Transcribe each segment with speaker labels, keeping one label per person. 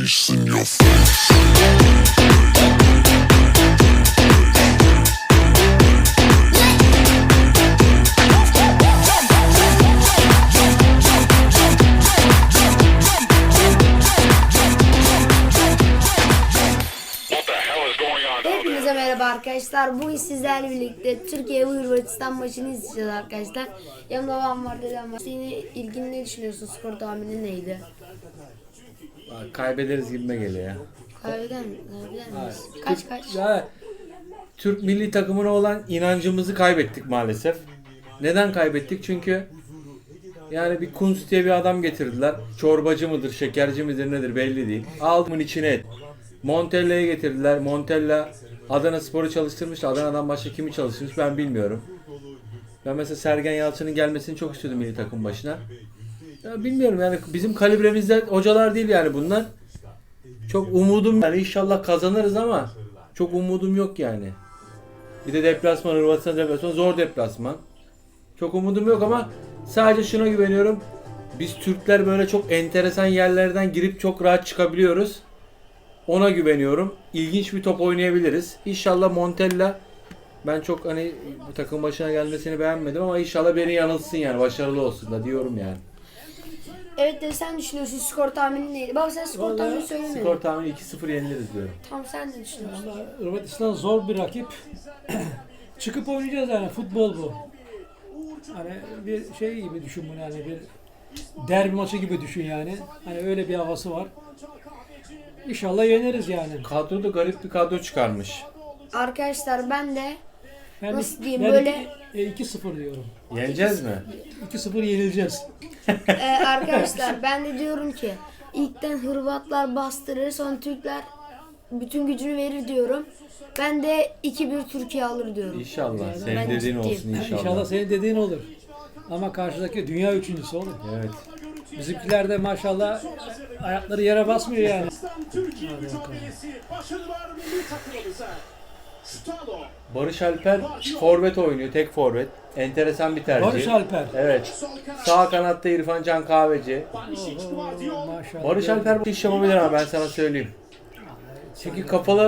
Speaker 1: face in your face.
Speaker 2: Hepinize merhaba arkadaşlar. Bugün sizlerle birlikte Türkiye ve Hırvatistan maçını izleyeceğiz arkadaşlar. Yanımda babam var, dedem var. Senin ilgin ne düşünüyorsun? Skor tahmini neydi?
Speaker 3: Kaybederiz gibime geliyor ya.
Speaker 2: Kaybeder miyiz? Kaç?
Speaker 3: Ya, Türk milli takımına olan inancımızı kaybettik maalesef. Neden kaybettik? Çünkü yani bir Kunz diye bir adam getirdiler. Çorbacı mıdır, şekerci midir nedir belli değil. Aldımın içine et. Montella'yı getirdiler. Montella Adanaspor'u çalıştırmış. Adana'dan başka kimi çalıştırmış ben bilmiyorum. Ben mesela Sergen Yalçın'ın gelmesini çok istiyordum milli takım başına. Ya bilmiyorum yani bizim kalibremizde hocalar değil yani bunlar. Çok umudum yani inşallah kazanırız ama çok umudum yok yani. Bir de deplasman, Hırvatistan deplasmanı zor deplasman. Çok umudum yok ama sadece şuna güveniyorum. Biz Türkler böyle çok enteresan yerlerden girip çok rahat çıkabiliyoruz. Ona güveniyorum. İlginç bir top oynayabiliriz. İnşallah Montella, ben çok hani bu takım başına gelmesini beğenmedim ama inşallah beni yanılsın yani başarılı olsun da diyorum yani.
Speaker 2: Evet de sen düşünüyorsun, skor tahmini neydi? Baba sen skor tahmini söylemedin.
Speaker 3: Skor tahmini 2-0 yeniliriz diyorum.
Speaker 2: Tamam, sen ne düşünüyorsun?
Speaker 4: Vallahi Hırvatistan zor bir rakip. Çıkıp oynayacağız yani, futbol bu. Hani bir şey gibi düşün bunu, yani bir derbi maçı gibi düşün yani. Hani öyle bir havası var. İnşallah yeneriz yani.
Speaker 3: Kadro da garip bir kadro çıkarmış.
Speaker 2: Arkadaşlar ben de
Speaker 4: Ben
Speaker 2: nasıl diyeyim,
Speaker 4: ben
Speaker 2: böyle
Speaker 4: 2-0 diyorum.
Speaker 3: Yeneceğiz mi?
Speaker 4: 2-0 yenileceğiz.
Speaker 2: arkadaşlar ben de diyorum ki ilkten Hırvatlar bastırır, sonra Türkler bütün gücünü verir diyorum. Ben de 2-1 Türkiye alır diyorum.
Speaker 3: İnşallah.
Speaker 2: Ben
Speaker 3: Senin dediğin
Speaker 2: ciddiyim.
Speaker 3: olsun inşallah.
Speaker 4: İnşallah senin dediğin olur. Ama karşıdaki dünya üçüncüsü olur.
Speaker 3: Evet.
Speaker 4: Bizimkiler de maşallah ayakları yere basmıyor yani.
Speaker 5: Türkiye mücadelesi başarılar milli takımımıza. Stalo.
Speaker 3: Barış Alper forvet oynuyor. Tek forvet. Enteresan bir tercih.
Speaker 4: Barış Alper.
Speaker 3: Evet. Sağ kanatta İrfan Can Kahveci.
Speaker 4: Maşallah.
Speaker 3: Barış Alper bu iş yapabilir ama ben sana söyleyeyim. Çünkü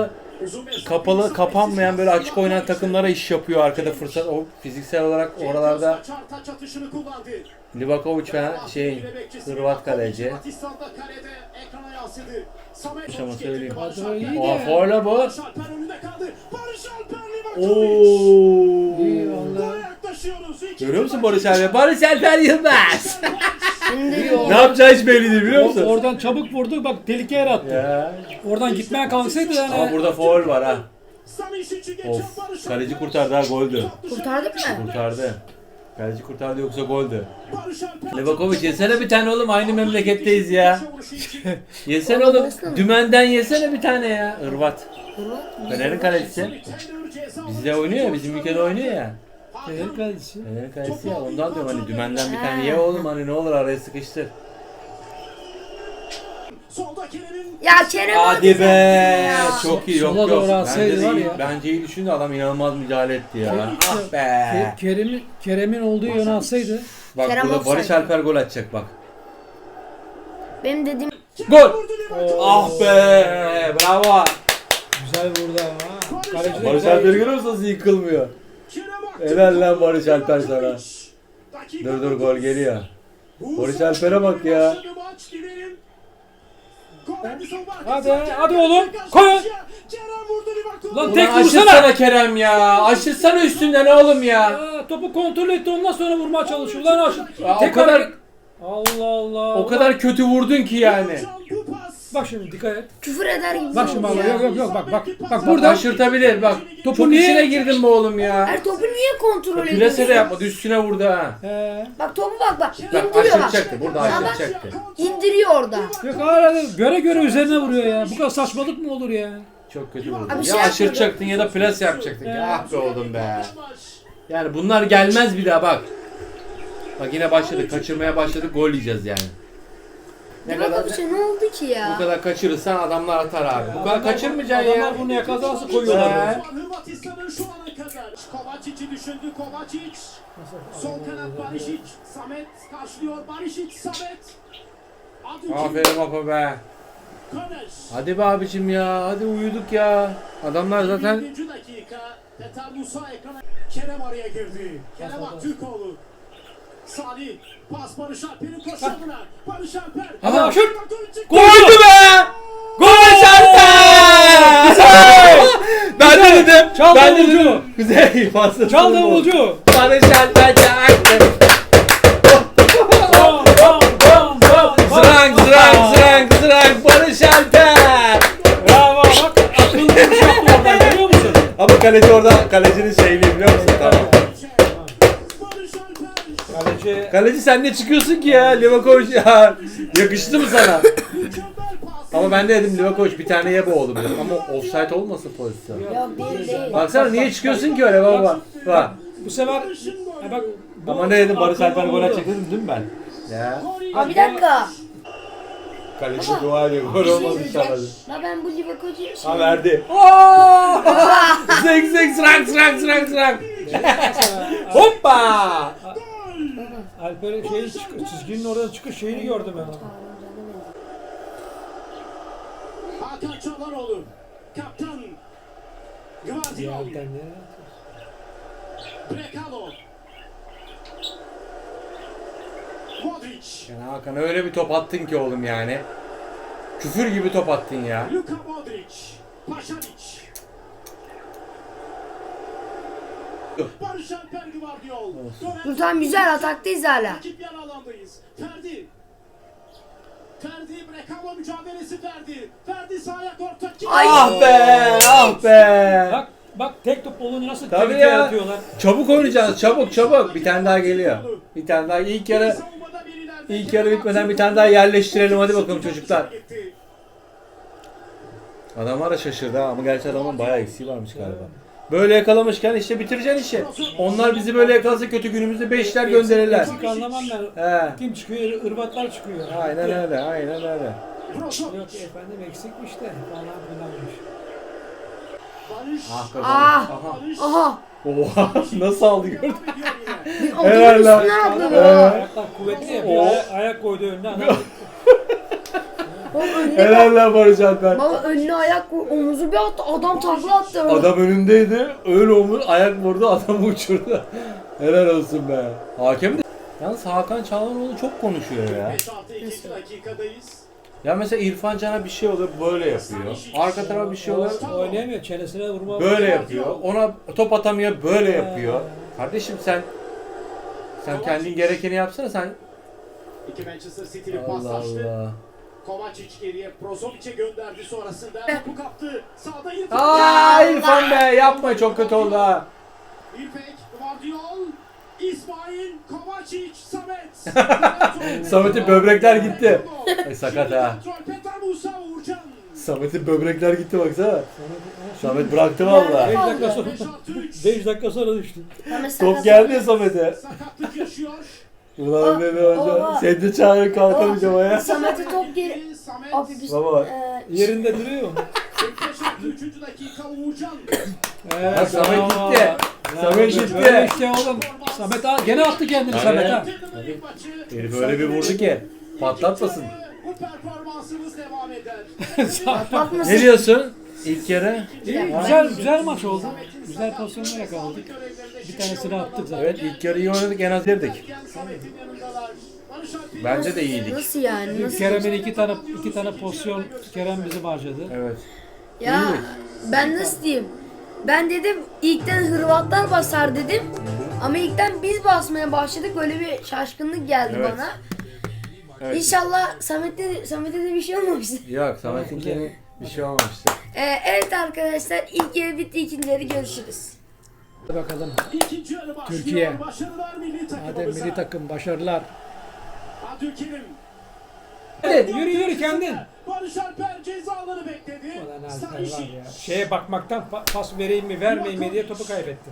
Speaker 3: kapalı kapanmayan böyle açık oynayan takımlara iş yapıyor arkada fırsat. O fiziksel olarak oralarda Livakovic falan Hırvat kaleci. Ama söyleyeyim.
Speaker 4: Kadro iyi
Speaker 3: Oha
Speaker 4: de.
Speaker 3: foyla bu.
Speaker 4: İyi vallahi.
Speaker 3: Görüyor musun Barış Alper? Barış Alper Yılmaz.
Speaker 2: Şimdi
Speaker 3: Ne yapacağı hiç belli değil biliyor musun?
Speaker 4: Oradan çabuk vurdu, bak tehlikeye yarattı.
Speaker 3: Ya.
Speaker 4: Oradan gitmeye kalksaydı
Speaker 3: Ama
Speaker 4: yani.
Speaker 3: burada foul var ha. Of. Kaleci kurtardı ha, goldü.
Speaker 2: kurtardık mı?
Speaker 3: Kurtardı. Kaleci kurtardı yoksa goldü. Livakovic yesene bir tane oğlum, aynı memleketteyiz ya. Yesene oğlum. Dümenden yesene bir tane ya. Hırvat. Fener'in kalecisi. Bizde oynuyor ya, bizim ülkede oynuyor ya.
Speaker 4: Fener kalecisi.
Speaker 3: Fener'in kalecisi ya, ondan diyorum hani dümenden bir tane ye oğlum, hani ne olur araya sıkıştır.
Speaker 2: Ya Kerem
Speaker 3: Hadi
Speaker 2: abi
Speaker 3: be.
Speaker 2: ya.
Speaker 3: Çok iyi, yok
Speaker 4: Sola doğru
Speaker 3: yok.
Speaker 4: atsaydı var ya.
Speaker 3: Bence iyi düşündü adam, inanılmaz müdahale etti ya. Ah be.
Speaker 4: Kerem'in olduğu yöne atsaydı.
Speaker 3: Bak
Speaker 2: Kerem
Speaker 3: burada Barış
Speaker 2: offside.
Speaker 3: Alper gol atacak bak.
Speaker 2: Benim dediğim
Speaker 3: Gol! Ah be! Bravo!
Speaker 4: Güzel vurdu ama. Kaleci de
Speaker 3: Barış
Speaker 4: güzel.
Speaker 3: Alper görüyor musun nasıl yıkılmıyor? Helal lan Barış Alper sana. Dur gol geliyor. Barış Alper'e bak ya.
Speaker 4: Hadi oğlum, koy. Lan
Speaker 3: Ulan
Speaker 4: tek
Speaker 3: aşırsana
Speaker 4: vursana.
Speaker 3: Kerem ya. Aşırsana üstünden oğlum ya.
Speaker 4: Aa, topu kontrol etti, ondan sonra vurmaya çalışıyor. Lan aşır.
Speaker 3: Ya
Speaker 4: Tek
Speaker 3: o kadar
Speaker 4: hareket. Allah Allah.
Speaker 3: o kadar kötü vurdun ki yani.
Speaker 4: Bak şimdi dikkat et.
Speaker 2: küfür eder gibi
Speaker 4: Bak şimdi
Speaker 2: oldu
Speaker 4: bak,
Speaker 2: ya.
Speaker 4: yok bak
Speaker 3: Burada
Speaker 4: burada.
Speaker 3: aşırtabilir bak. Topun
Speaker 4: niye-
Speaker 3: içine girdin be oğlum ya.
Speaker 2: Her topu niye kontrol ediyorsun?
Speaker 3: Plase de yapmadı, üstüne vurdu ha.
Speaker 2: Bak topu bak.
Speaker 3: Bak
Speaker 2: İndiriyor bak.
Speaker 3: aşıracaktı, burada
Speaker 2: Ya bak,
Speaker 3: aşıracaktı.
Speaker 2: İndiriyor orada.
Speaker 4: Yok hala göre üzerine vuruyor ya. Bu kadar saçmalık mı olur ya?
Speaker 3: Çok kötü vurdu.
Speaker 2: Abi
Speaker 3: Ya
Speaker 2: şey
Speaker 3: aşıracaktın ya da plase yapacaktın. Ah be oğlum be. Yani bunlar gelmez bir daha bak. Bak yine başladık, kaçırmaya başladık, gol yiyeceğiz yani. Ne kadar
Speaker 2: Bak ne oldu ki ya?
Speaker 3: bu kadar kaçırırsan adamlar atar abi. Bu kadar kaçırmayacaksın ya.
Speaker 4: Adamlar bunu yakalarsa koyuyorlar.
Speaker 3: He.
Speaker 5: Hırvatistan'ın şu ana kadar Kovacic'i düşündü. Kovacic. Sol kanat Barisic. Samet karşılıyor. Barisic, Samet.
Speaker 3: Aferin Apo be.
Speaker 5: Korner.
Speaker 3: Hadi be abicim ya. Hadi uyuduk ya. Adamlar zaten
Speaker 5: 20. dakika. Petar Musa ekrana. Kerem araya girdi. Kerem Aktürkoğlu. Salih. Pas Barış Alper'in koşamına. Barış Alper.
Speaker 3: Aha,
Speaker 4: şut!
Speaker 3: koydu be! Gol Alper! Ben de dedim.
Speaker 4: Çal
Speaker 3: Ben de
Speaker 4: davulcu.
Speaker 3: dedim. Güzel fazla.
Speaker 4: Çal davulcu.
Speaker 3: Barış Alper çaktı.
Speaker 4: Bam, bam, bam, bam, bam.
Speaker 3: Zırang zırang zırang zırang Barış Alper.
Speaker 4: Bravo bak akıllı bir şey yaptı oradan görüyor musun?
Speaker 3: Ama kaleci orada kalecinin şeyini biliyor musun? Tamam.
Speaker 5: Barış Alper.
Speaker 4: Kaleci
Speaker 3: Kaleci sen ne çıkıyorsun ki ya? Livakovic ya. Yakıştı mı sana?
Speaker 5: Mükemmel pas.
Speaker 3: Ama ben de dedim Livakovic bir tane ye bu oğlum dedim. Ama offside olmasın pozisyon.
Speaker 2: Yok değil.
Speaker 3: Baksana niye çıkıyorsun ki öyle baba? Bak.
Speaker 4: bu sefer ha bak bu
Speaker 3: Ama ne dedim Barış Alper
Speaker 4: akıllı
Speaker 3: gol
Speaker 4: oldu.
Speaker 3: atacak dedim değil mi ben? Ya.
Speaker 2: Abi bir dakika.
Speaker 3: Kaleci dua ediyor. Gol olmaz inşallah.
Speaker 2: La ben bu Livakovic'i
Speaker 3: Ha verdi. Zek zek zrak zrak zrak zrak. Hoppa!
Speaker 4: Alper'in çizginin orada çıkış şeyini gördüm ben.
Speaker 5: Hakan Çalhanoğlu. Kaptan. Gvardiol.
Speaker 4: Alper ne?
Speaker 5: Brekalo. Modric.
Speaker 3: Yani Hakan öyle bir top attın ki oğlum yani. Küfür gibi top attın ya.
Speaker 5: Luka Modric. Paşanic. Barış Alper Gvardiol.
Speaker 2: Dur tamam güzel ataktayız hala.
Speaker 5: Rakip yan alandayız. Ferdi. Ferdi Brekalo mücadelesi Ferdi. Ferdi sağ ayak orta.
Speaker 3: Ah be! Ah be!
Speaker 4: Bak tek top olunca nasıl
Speaker 3: Tabii
Speaker 4: tehlikeye
Speaker 3: ya.
Speaker 4: atıyorlar.
Speaker 3: Çabuk oynayacağız. Çabuk çabuk. Bir tane daha geliyor. Bir tane daha. İlk yarı bitmeden bir tane daha yerleştirelim. Hadi bakalım çocuklar. Adamlar da şaşırdı ha ama gerçi adamın bayağı eksiği varmış galiba. Böyle yakalamışken işte bitireceksin işi. Onlar bizi böyle yakalasa kötü günümüzde 5'ler gönderirler.
Speaker 4: Eksik anlamam ben.
Speaker 3: He.
Speaker 4: Kim çıkıyor? Irbatlar çıkıyor.
Speaker 3: Aynen öyle, aynen öyle.
Speaker 4: Yok efendim eksikmiş de falan filanmış.
Speaker 5: Barış.
Speaker 3: Ah be.
Speaker 2: Ah.
Speaker 3: Aha.
Speaker 2: Aha.
Speaker 3: Oha nasıl aldı gördün?
Speaker 2: Adamın
Speaker 3: Helal lan.
Speaker 2: üstüne atladı.
Speaker 4: Ayaklar kuvvetli ya. Bir
Speaker 3: Oo.
Speaker 4: ayak koydu önüne adam.
Speaker 2: Baba önüne
Speaker 3: Helal lan Barış Alper.
Speaker 2: Baba önüne ayak koy, omuzu bir attı, adam takla attı.
Speaker 3: Adam önündeydi. Öyle omuz ayak vurdu adamı uçurdu. Helal olsun be. Hakem de... Yalnız Hakan Çalhanoğlu çok konuşuyor ya.
Speaker 5: 5-6-2 dakikadayız.
Speaker 3: Ya mesela İrfan Can'a bir şey oluyor böyle yapıyor. Arka tarafa bir şey oluyor
Speaker 4: Oynayamıyor. Çenesine vurma.
Speaker 3: böyle yapıyor. Ona top atamıyor böyle yapıyor. Kardeşim sen kendin gerekeni yapsana sen.
Speaker 5: İki Manchester City'li
Speaker 3: Allah
Speaker 5: paslaştı.
Speaker 3: Allah.
Speaker 5: Kovacic geriye Brozovic'e gönderdi sonrasında. Topu kaptı. Sağda İrfan.
Speaker 3: Aa İrfan be yapma çok kötü oldu ha.
Speaker 5: İpek, Gvardiol, İsmail, Kovacic, Samet.
Speaker 3: Samet'in böbrekler gitti. Sakat ha.
Speaker 5: Petar Musa, Uğurcan.
Speaker 3: Samet'in böbrekler gitti baksana. Samet bıraktı valla.
Speaker 4: 5 dakika sonra 5 dakika sonra düştü.
Speaker 3: Top geldi ya Samet'e.
Speaker 5: Sakatlık yaşıyor.
Speaker 3: Ulan ne hocam. Sen de çağırın kalkamayacağım ya.
Speaker 2: Samet'e top geri.
Speaker 5: Samet.
Speaker 2: Abi biz
Speaker 3: Baba.
Speaker 4: Yerinde duruyor.
Speaker 5: 3. dakika Uğurcan.
Speaker 3: Bak Samet gitti. Samet gitti.
Speaker 4: Böyle işte oğlum. Samet gene attı kendini Samet ha.
Speaker 3: Herif öyle bir vurdu ki patlatmasın.
Speaker 5: Bu performansımız devam eder.
Speaker 2: patlatmasın.
Speaker 3: Ne diyorsun? İlk yarı.
Speaker 4: İyi, güzel maç oldu. Güzel pozisyonlar yakaladık. Bir tanesini attık zaten.
Speaker 3: Evet ilk yarı iyi oynadık en az yerdik.
Speaker 5: Samet'in yanındalar. Barış Alper.
Speaker 3: Bence de iyiydik.
Speaker 2: Nasıl yani? Nasıl?
Speaker 4: Kerem'in iki tane pozisyon Kerem bizi harcadı.
Speaker 3: Evet.
Speaker 2: Ya ben nasıl diyeyim? Ben dedim ilkten Hırvatlar basar dedim. Ama ilkten biz basmaya başladık. Böyle bir şaşkınlık geldi
Speaker 3: Evet.
Speaker 2: bana.
Speaker 3: Evet.
Speaker 2: İnşallah Samet'e de bir şey olmamıştır.
Speaker 3: Yok Samet'inkinin bir şey olmamıştı.
Speaker 2: Evet arkadaşlar ilk yarı bitti, ikinci yarı görüşürüz.
Speaker 4: Hadi bakalım.
Speaker 5: İkinci yarı başlıyor.
Speaker 4: Türkiye.
Speaker 5: Başarılar milli
Speaker 4: Hadi
Speaker 5: takımımıza.
Speaker 4: milli takım başarılar.
Speaker 5: Abdülkerim.
Speaker 4: Yürü kendin.
Speaker 5: Barış Alper cezaları bekledi.
Speaker 4: Ulan Alper var
Speaker 5: Stanisic.
Speaker 4: ya. Şeye bakmaktan pas vereyim mi vermeyeyim mi diye topu kaybetti.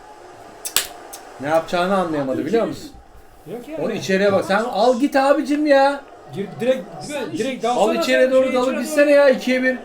Speaker 3: Ne yapacağını anlayamadı biliyor musun?
Speaker 4: Yok ya.
Speaker 3: Onu içeriye bak. Sen al git abicim ya.
Speaker 4: Direkt
Speaker 3: Al
Speaker 4: dalsana
Speaker 3: içeriye
Speaker 4: sen,
Speaker 3: doğru
Speaker 4: şey
Speaker 3: dalıp
Speaker 4: içeri
Speaker 3: gitsene ya 2'ye 1.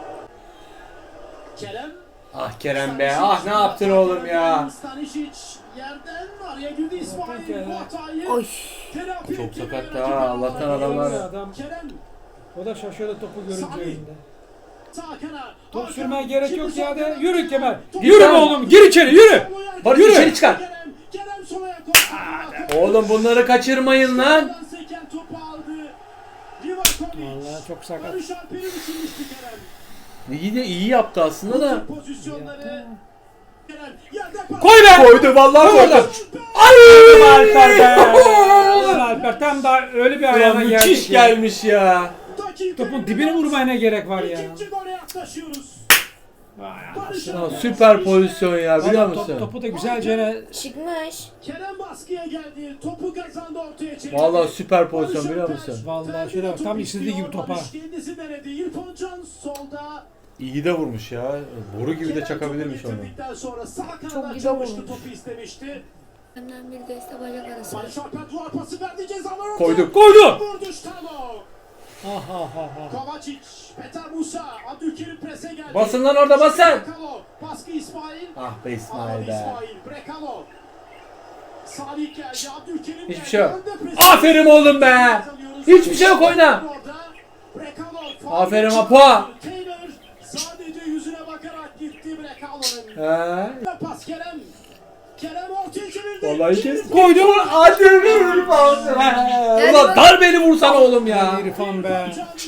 Speaker 5: Kerem.
Speaker 3: Ah Kerem be. Ah ne yaptın oğlum ya.
Speaker 5: Stanisic yerden araya girdi İsmail.
Speaker 4: Kerem.
Speaker 5: Bu hatayı
Speaker 2: Oy.
Speaker 5: telafi
Speaker 3: Çok
Speaker 5: etti
Speaker 3: sakat
Speaker 5: ve
Speaker 3: ha,
Speaker 5: rakibi
Speaker 3: Allah'tan
Speaker 5: aldı.
Speaker 3: adamlar-
Speaker 4: Adam
Speaker 5: Kerem.
Speaker 4: O da şaşırdı topu görünce
Speaker 5: Salih.
Speaker 4: elinde.
Speaker 5: Sağ kanat.
Speaker 4: Top
Speaker 5: Hakan.
Speaker 4: sürmeye gerek
Speaker 5: Şimdi
Speaker 4: yok
Speaker 5: sol
Speaker 4: ya de.
Speaker 5: kanat.
Speaker 4: Yürü Kemal.
Speaker 5: Top-
Speaker 4: Yürü be oğlum. Gir içeri yürü.
Speaker 3: Barış
Speaker 4: Yürü.
Speaker 3: içeri çıkar.
Speaker 5: Kerem solaya koştu.
Speaker 3: Oğlum bunları kaçırmayın lan.
Speaker 5: Sağdan seken topu aldı. Livakovic.
Speaker 4: Vallahi çok sakat.
Speaker 5: Barış Alper'i düşünmüştü Kerem.
Speaker 3: İyi de iyi yaptı aslında da.
Speaker 5: Bu pozisyonları Kerem yerde pas.
Speaker 4: Koy be.
Speaker 3: Koydu vallahi
Speaker 4: Koy
Speaker 3: koydu.
Speaker 4: oradan.
Speaker 3: Ay!
Speaker 4: Alper be. Ulan Alper tam da öyle bir
Speaker 3: Ulan
Speaker 4: ayağına geldi
Speaker 3: müthiş
Speaker 4: ki.
Speaker 3: gelmiş ya.
Speaker 5: Dakika
Speaker 4: Topun dibine vurmaya ne gerek var ya?
Speaker 5: İkinci gole yaklaşıyoruz.
Speaker 4: Vay
Speaker 5: Barış
Speaker 3: Ya
Speaker 5: Alper.
Speaker 3: süper pozisyon ya biliyor
Speaker 4: Valla
Speaker 3: musun?
Speaker 4: topu da güzelce
Speaker 2: Çıkmış.
Speaker 5: Kerem baskıya geldi. Topu kazandı ortaya çevirdi.
Speaker 3: Vallahi süper pozisyon
Speaker 5: Barış
Speaker 3: biliyor
Speaker 5: Alper
Speaker 3: musun?
Speaker 4: Vallahi
Speaker 5: terbiye
Speaker 4: şöyle bak, tam
Speaker 5: topu
Speaker 4: istediği
Speaker 5: istiyor.
Speaker 4: gibi topa.
Speaker 5: Barış kendisi denedi. İrfan Can solda.
Speaker 3: İyi de vurmuş ya. Boru gibi de
Speaker 5: Kerem
Speaker 3: çakabilirmiş
Speaker 5: topu
Speaker 3: onu.
Speaker 5: getirdikten sonra sağ
Speaker 2: Çok
Speaker 5: kanada
Speaker 2: güzel
Speaker 5: açılmıştı,
Speaker 2: vurmuş.
Speaker 5: topu istemişti.
Speaker 2: Benden bir deste bacak arası.
Speaker 5: Barış Alper duvar pası verdi, cezalar ortaya.
Speaker 3: Koyduk.
Speaker 4: koydu.
Speaker 5: Vurdu Stalo.
Speaker 4: Ah ah ah ah.
Speaker 5: Kovacic, Petar Musa, Abdülkerim prese geldi.
Speaker 3: Basın lan orada basın.
Speaker 5: Brekalo, baskı İsmail.
Speaker 3: Ah be
Speaker 5: Alamadı
Speaker 3: İsmail be.
Speaker 5: İsmail, Brekalo. Salih geldi, Abdülkerim
Speaker 3: Hiçbir
Speaker 5: geldi.
Speaker 3: şey yok.
Speaker 5: Önde presi.
Speaker 3: Aferin oğlum be.
Speaker 5: Kazanıyoruz.
Speaker 3: Hiçbir şey yok oyna.
Speaker 5: Orada. Brekalo, faul
Speaker 3: Aferin
Speaker 5: yaptı.
Speaker 3: Apo.
Speaker 5: Taylor sadece yüzüne bakarak gitti Brekalo'nun.
Speaker 3: He.
Speaker 5: Pas Kerem. Kerem ortaya çevirdi.
Speaker 3: Vallahi kes. Koydu. Hadi bir pas. Ulan darbeli vursana oğlum ya.
Speaker 4: İrfan be.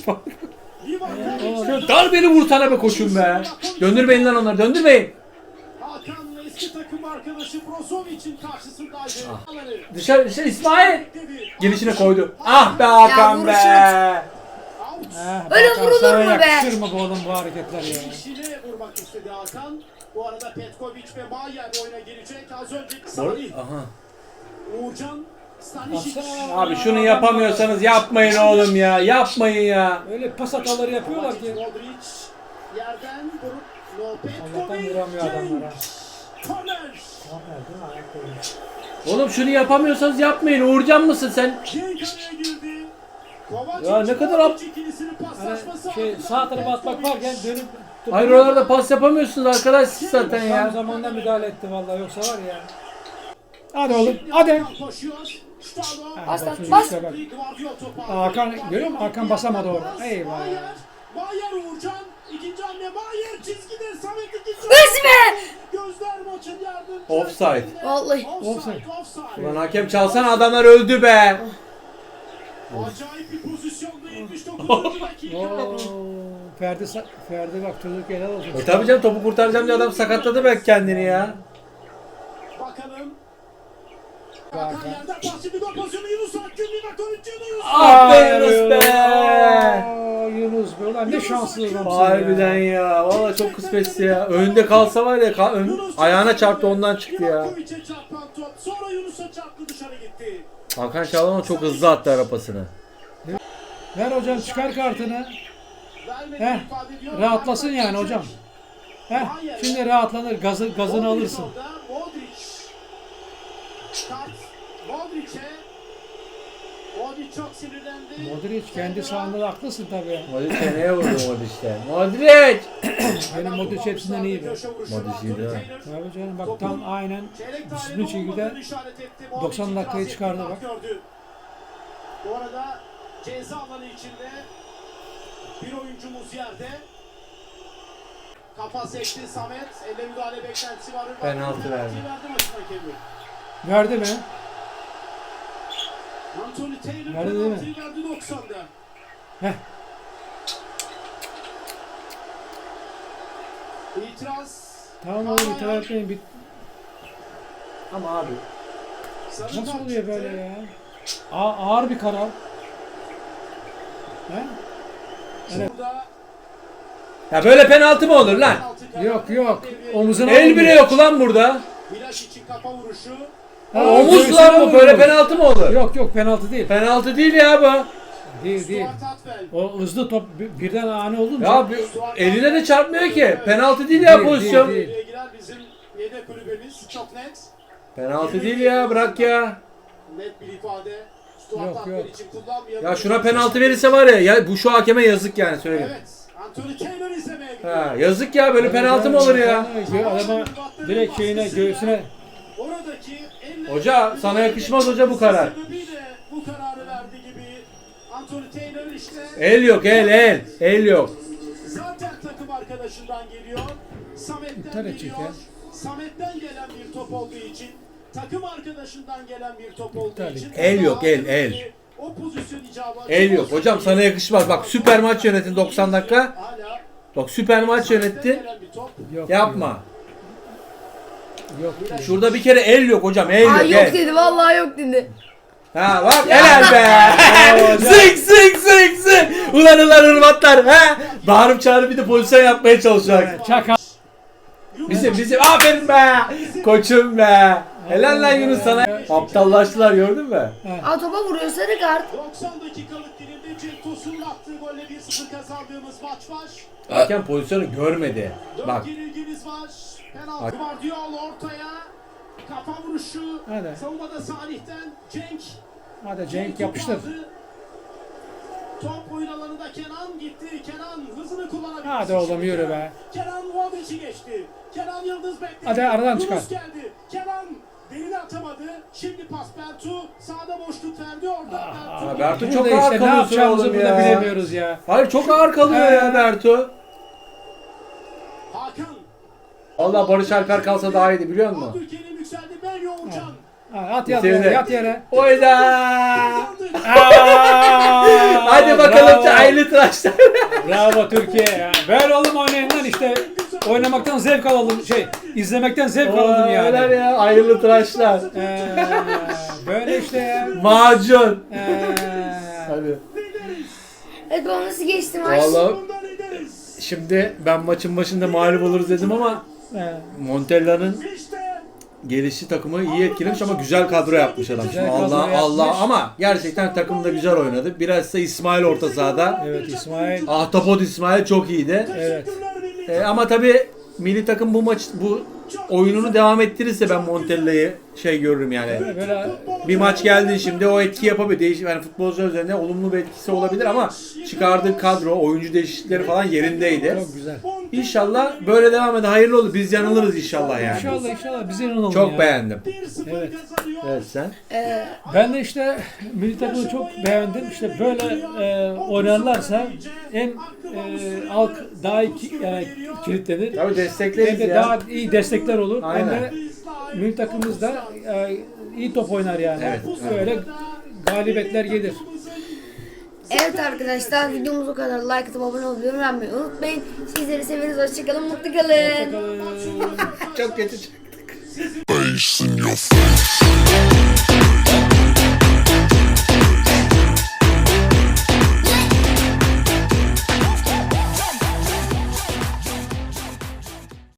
Speaker 3: Şu darbeli vursana be koçum be. Döndürmeyin lan onları döndürmeyin.
Speaker 5: Hakan eski takım arkadaşı Brozovic'in karşısındaydı.
Speaker 3: Dışarı İsmail.
Speaker 5: Bekledi.
Speaker 3: Gelişine koydu. Ah be Hakan
Speaker 2: Ya
Speaker 3: be.
Speaker 5: Out.
Speaker 2: Öyle
Speaker 4: Hakan,
Speaker 2: vurulur
Speaker 4: sana
Speaker 2: mu be?
Speaker 4: Yakışır mı bu oğlum bu hareketler ya?
Speaker 5: İşine vurmak istedi Hakan. Bu arada Petkovic ve Mayer oyuna girecek. Az önce
Speaker 3: Bor-
Speaker 5: Salih,
Speaker 3: Aha.
Speaker 5: Uğurcan, Stanisic.
Speaker 4: Baksana.
Speaker 3: Abi şunu yapamıyorsanız yapmayın oğlum ya. Yapmayın ya.
Speaker 4: Öyle pas hataları yapıyorlar
Speaker 5: Kovacic,
Speaker 4: ki.
Speaker 5: Modric yerden vurup No
Speaker 4: Allah'tan
Speaker 5: Petkovic.
Speaker 4: vuramıyor adamlara.
Speaker 5: Korner.
Speaker 3: Oğlum şunu yapamıyorsanız yapmayın. Uğurcan mısın sen?
Speaker 5: Cenk araya girdi. Kovacic,
Speaker 3: Ya ne kadar
Speaker 5: Modric ikilisinin paslaşması
Speaker 4: Hani
Speaker 5: ardından
Speaker 4: sağ tarafa atmak
Speaker 5: Petkovic.
Speaker 4: varken dönüp
Speaker 3: Hayır oralarda pas yapamıyorsunuz arkadaş siz zaten
Speaker 4: tam
Speaker 3: ya.
Speaker 4: zamanında müdahale etti vallahi yoksa var ya. Hadi oğlum hadi.
Speaker 5: Hakan koşuyor. Stalo.
Speaker 2: Bas lan,
Speaker 4: Bak,
Speaker 2: bas.
Speaker 4: işte bak.
Speaker 5: Guardiola topu aldı.
Speaker 4: Hakan, görüyor musun? Hakan basamadı orada. Eyvah.
Speaker 5: Mayer Uğurcan. İkinci hamle Mayer çizgide. Samet ikinci
Speaker 2: Hız be!
Speaker 5: Gözler maçın yardımcı.
Speaker 3: Offside.
Speaker 2: Vallahi.
Speaker 5: Offside.
Speaker 3: Ulan hakem çalsana adamlar öldü be.
Speaker 5: Acayip bir pozisyonda 79. dakika.
Speaker 4: Oo, Ferdi bak çocuk helal olsun.
Speaker 3: Tabii canım topu kurtaracağım diye adam sakatladı belki kendini ya.
Speaker 5: Bakalım. Hakan yerden pas şimdi gol pozisyonu Yunus Akgün. Livakovic Yunus.
Speaker 3: Ah be Yunus be.
Speaker 4: Aa, Yunus be ulan ne şanslı adamsın
Speaker 3: Harbiden
Speaker 4: ya.
Speaker 3: ya. Valla çok kısmetsiz ya. Önde kalsa var ya ayağına çarptı ondan çıktı ya.
Speaker 5: Livakovic'e çarpan top. Sonra Yunus'a çarptı dışarı gitti.
Speaker 3: Hakan Çalhanoğlu çok hızlı attı arapasını.
Speaker 4: Ver hocam çıkar kartını.
Speaker 5: Vermedi
Speaker 4: Heh,
Speaker 5: ifade ediyor.
Speaker 4: rahatlasın yani hocam. Heh, şimdi rahatlanır gazını alırsın.
Speaker 5: Modric. Kart. Modric'e. Modric çok sinirlendi.
Speaker 4: Modric kendi sahanda da haklısın tabii.
Speaker 3: Modric neye vurdu Modric'te? Modric!
Speaker 4: Benim Modric hepsinden iyi be.
Speaker 3: Modric iyi değil mi?
Speaker 4: Tabii canım bak tam aynen disiplin şekilde 90 dakikayı çıkardı bak.
Speaker 5: Bu arada ceza alanı içinde bir oyuncumuz yerde. Kafa sekti Samet. Elle müdahale beklentisi var.
Speaker 3: Penaltı verdi.
Speaker 5: Verdi maçın hakemi.
Speaker 4: Verdi mi?
Speaker 5: Anthony Taylor
Speaker 4: Verdi değil mi?
Speaker 5: penaltıyı verdi 90'da.
Speaker 4: Heh.
Speaker 5: İtiraz.
Speaker 4: Tamam oğlum itiraz etmeyin.
Speaker 3: Ama abi.
Speaker 5: Sarı
Speaker 4: Nasıl
Speaker 5: kart
Speaker 4: oluyor
Speaker 5: çıktı.
Speaker 4: böyle ya? Ağır bir karar. He? Evet.
Speaker 5: Burada
Speaker 3: Ya böyle penaltı mı olur lan?
Speaker 5: penaltı kararı.
Speaker 4: Yok yok.
Speaker 5: Devreye
Speaker 4: Omuzuna
Speaker 3: El bile yok ulan burada.
Speaker 5: Milaş için kafa vuruşu.
Speaker 4: Ha,
Speaker 3: Omuz
Speaker 4: göğsüne
Speaker 3: lan bu
Speaker 4: vurmuş.
Speaker 3: böyle penaltı mı olur?
Speaker 4: Yok penaltı değil.
Speaker 3: Penaltı değil ya bu.
Speaker 4: Değil.
Speaker 5: Stuart Atwell.
Speaker 4: O hızlı top birden ani olunca.
Speaker 3: Ya eline de çarpmıyor ki. Penaltı değil ya
Speaker 4: Değil,
Speaker 3: pozisyon.
Speaker 4: değil.
Speaker 5: Devreye girer bizim yedek kulübemiz. Çok net.
Speaker 3: Penaltı değil ya bırak ya.
Speaker 5: Net bir ifade. Stuart
Speaker 4: Yok,
Speaker 5: Atwell
Speaker 4: yok.
Speaker 5: için kullanmayalım.
Speaker 3: Ya şuna penaltı verirse var ya bu şu hakeme yazık yani söyleyeyim.
Speaker 5: Evet. Anthony Taylor izlemeye gidiyor.
Speaker 3: Ha, yazık ya böyle penaltı mı olur ya?
Speaker 4: Adama direkt şeyine göğsüne.
Speaker 5: Oradaki elle-
Speaker 3: Hoca, sana yakışmaz hoca bu karar.
Speaker 5: Sebebiyle bu kararı verdi gibi. Anthony Taylor işte
Speaker 3: El yok, el. El yok.
Speaker 5: Zaten takım arkadaşından geliyor. Samet'ten
Speaker 4: İptal edecek
Speaker 5: geliyor.
Speaker 4: ya.
Speaker 5: Samet'ten gelen bir top olduğu için, takım arkadaşından gelen bir top olduğu
Speaker 4: İptal
Speaker 5: için.
Speaker 3: El yok, el.
Speaker 5: O pozisyon icabı.
Speaker 3: El yok. Hocam sana yakışmaz. Bak süper maç yönetin 90 dakika.
Speaker 5: Hala
Speaker 3: Bak süper maç
Speaker 5: Samet'ten
Speaker 3: yönetti.
Speaker 5: gelen bir top.
Speaker 4: Yok.
Speaker 3: Yapma.
Speaker 4: Yok.
Speaker 3: Şurada bir kere el yok hocam. El
Speaker 2: Aa
Speaker 3: yok.
Speaker 2: yok
Speaker 3: El.
Speaker 2: dedi vallahi yok dedi.
Speaker 3: Ha bak helal be. Zık. Ulan Hırvatlar. Ha. Bağırıp çağırıp bir de pozisyon yapmaya çalışacak.
Speaker 4: Çaka.
Speaker 3: Bizim aferin be. Koçum be. Helal lan Yunus sana. Aptallaştılar gördün mü?
Speaker 2: Aa topa vuruyor sarı kart.
Speaker 5: 90 dakikalık dilimde Cenk Tosun'un attığı golle 1-0 kazandığımız maç var.
Speaker 3: Hakem pozisyonu görmedi.
Speaker 5: 4
Speaker 3: Bak.
Speaker 5: yenilgimiz var. Penaltı var diyor ortaya. Kafa vuruşu.
Speaker 4: Hadi.
Speaker 5: Savunmada Salih'ten Cenk.
Speaker 4: Hadi Cenk yapıştır.
Speaker 5: aldı. Top oyun alanında Kenan gitti. Kenan hızını kullanabilir.
Speaker 4: Hadi oğlum, yürü be.
Speaker 5: Kenan Vodic'i geçti. Kenan Yıldız bekledi.
Speaker 4: Hadi aradan
Speaker 5: Yunus
Speaker 4: çıkar.
Speaker 5: geldi. Kenan derine atamadı. Şimdi pas Bertu. Sağda boşluk verdi orada.
Speaker 3: Aa, Bertu
Speaker 4: Burada
Speaker 3: çok
Speaker 4: işte
Speaker 3: ağır
Speaker 4: ne
Speaker 3: kalıyorsun
Speaker 4: yapacağımızı
Speaker 3: oğlum
Speaker 4: burada
Speaker 3: ya.
Speaker 4: bilemiyoruz ya.
Speaker 3: Hayır çok ağır kalıyor ya Bertu.
Speaker 5: Hakan.
Speaker 3: Vallahi Barış Alper kalsa daha iyiydi biliyor musun?
Speaker 5: Abdülkerim yükseldi. Melih Oğulcan.
Speaker 4: At
Speaker 3: Bitirdi.
Speaker 4: yere, yat yere.
Speaker 3: Oyda.
Speaker 4: Aa,
Speaker 3: Hadi bakalım
Speaker 4: bravo.
Speaker 3: çaylı tıraşlar.
Speaker 4: Bravo Türkiye ya. Böyle oğlum oynayın lan işte. Oynamaktan zevk alalım. İzlemekten zevk alalım
Speaker 3: Helal
Speaker 4: yani.
Speaker 3: ya hayırlı tıraşlar.
Speaker 4: Böyle işte ya.
Speaker 3: Macun.
Speaker 4: Hadi.
Speaker 2: Evet baba nasıl geçti maç?
Speaker 3: Vallahi
Speaker 5: Bundan ederiz.
Speaker 3: şimdi ben maçın başında mağlup oluruz dedim ama Montella'nın
Speaker 5: İşte
Speaker 3: gelişi takımı iyi etkilemiş ama güzel kadro yapmış adam.
Speaker 4: Güzel
Speaker 3: Şimdi
Speaker 4: kadro
Speaker 3: Allah
Speaker 4: yapmış.
Speaker 3: ama gerçekten takım da güzel oynadı. Biraz da İsmail orta sahada.
Speaker 4: Evet İsmail.
Speaker 3: Ahtapot İsmail çok iyiydi.
Speaker 4: Evet.
Speaker 3: Ama tabii milli takım bu oyununu devam ettirirse ben Montella'yı görürüm yani.
Speaker 4: Böyle
Speaker 3: Bir maç geldi şimdi o etki yapabilir. Yani futbolcular üzerinde olumlu bir etkisi olabilir ama çıkardığı kadro, oyuncu değişiklikleri falan yerindeydi.
Speaker 4: çok güzel.
Speaker 3: İnşallah böyle devam eder. Hayırlı olur. Biz yanılırız inşallah yani.
Speaker 4: İnşallah bize inanalım
Speaker 3: Çok
Speaker 4: ya.
Speaker 3: beğendim.
Speaker 5: 1-0
Speaker 4: Evet.
Speaker 5: kazanıyor.
Speaker 3: Evet sen.
Speaker 4: Ben de işte milli takımı çok beğendim. İşte böyle oynarlarsa hem halk daha iyi kilitlenir.
Speaker 3: Tabii
Speaker 4: Hem
Speaker 3: destekleriz
Speaker 4: de
Speaker 3: ya.
Speaker 4: daha iyi destekler olur. Hem
Speaker 3: Aynen.
Speaker 4: de milli takımımız da iyi top oynar yani.
Speaker 3: Evet,
Speaker 4: Böyle galibiyetler gelir.
Speaker 2: Evet arkadaşlar videomuz o kadar. Like atıp abone olmayı öğrenmeyi unutmayın. Sizleri severiz. Hoşçakalın. Mutlu kalın.
Speaker 3: Çok kötü çıktı.
Speaker 1: Face in your face.